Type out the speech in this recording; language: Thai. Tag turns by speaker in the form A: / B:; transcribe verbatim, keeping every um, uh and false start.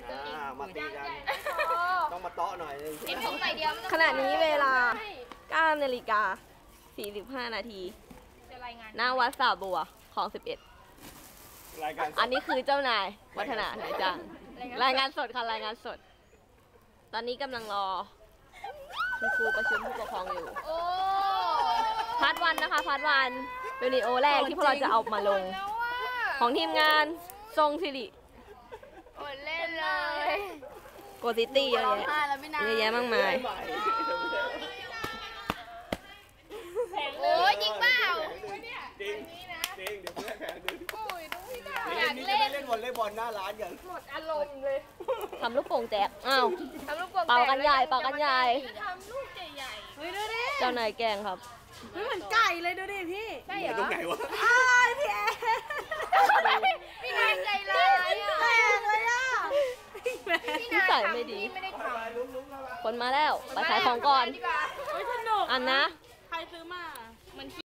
A: มาตีกันต้องมาเตาะหน่อยนึง
B: ขณะนี้เวลาเก้านาฬิกาสี่สิบห้านาทีหน้าวัดสาบัวของสิบเอ็ดอันนี้คือเจ้านายวัฒนาไหนจ้ารายงานสดค่ะรายงานสดตอนนี้กำลังรอคุณครูประชุมผู้ปกครองอยู่พาร์ทวันนะคะพาร์ทวันเป็นวิดีโอแรกที่พวกเราจะเอามาลงของทีมงานทรงสิริ
C: เล่นเลย
B: โกซิตี้เยอะแยะเยอะแยะมากมาย
C: โอ้ยจริงเปล่า
A: จริงจริงเดี๋ยวเพื่อนแข่งดึงอยากเล่นเล่นวอลเลย์บอลหน้าร้านอย่าง
C: หมดอารมณ์เลย
B: ทำลูกโป่งแจกอ้าวเป่ากันใหญ่เป่ากันใหญ่
C: ทำลูกใหญ่
D: เฮ้ยดูดิ
B: เจ้านายแกงครับ
D: เฮ้ยเหมือนไก่เลยดูดิพี่
C: ใช่เหรอ
A: ตรงไหนวะ
D: อ้าวพี่แอ
C: พี่นายใจร้ายอ่ะ
D: แปลกเลยอ่ะ
B: พี่ใส่ไม่ดีคนมาแล้วไปขายของก่อน
D: สนุก
B: อันนะ
D: ใครซื้อมา